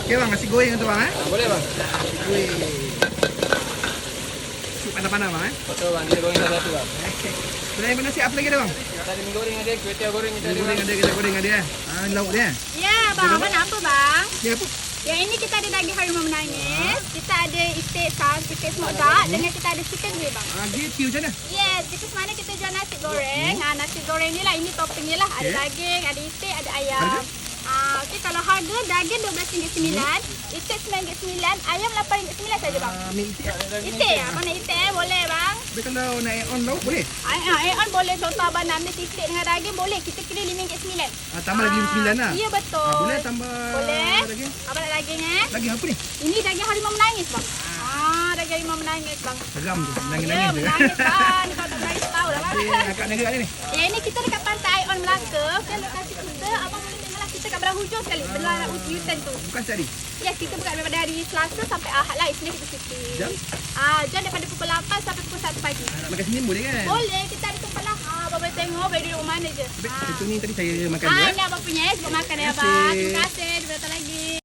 Okey bang, nasi goreng tu bang Boleh bang. Nasi goreng. Sup panas-panas bang Betul bang, kita goreng satu bang. Selain nasi apa lagi ada bang? Tadi mi goreng ada, kuih tiaw goreng kita ada Goreng bang. ada, kita goreng ada lauk dia. Ya, bang. Abang nak apa bang? Ni apa? Yang ini kita ada daging harimau menangis. Kita ada itik sas, itik smoked duck. Dengan kita ada chicken grill bang. Gitu macam mana? Yes, because mana kita jual nasi goreng. Nasi goreng ni lah, ini topping ni lah. Ada daging, ada itik, ada ayam. Harga? Okey, kalau harga daging RM12.9, itik RM9.9, ayam RM8.9 saja bang. Ambil itik. Itik ya, mana itik boleh bang. Tapi kalau nak add on lauk boleh? On boleh, contoh abang nak ambil itik dengan daging boleh. Kita kira RM5.9. Tambah lagi RM9 lah. Ya betul. Boleh tambah Boleh. daging? Abang nak daging Daging apa ni? Ini daging harimau menangis bang. Daging harimau menangis bang. Seram tu, Ya, nangis-nangis tu. menangis bang. Kalau tak menangis tahu lah bang. Akak negara ni. Yang ini kita dekat pantai On Melaka. Dan lokasi kita, abang boleh tengoklah kita kat belah hujung sekali. Belah U-turn tu. Bukan tadi. Ya, kita buka daripada hari Selasa sampai Ahad lah. Isnin kita cuti. Jam? Jam daripada pukul 8 sampai pukul 1 pagi. Nak makan sini boleh kan? Boleh, kita ada tempat lah. Abang boleh tengok, boleh duduk mana je. Tapi itu ni tadi saya makan Ini dia. abang punya sebab makan ya Terima abang. kasih. Terima kasih.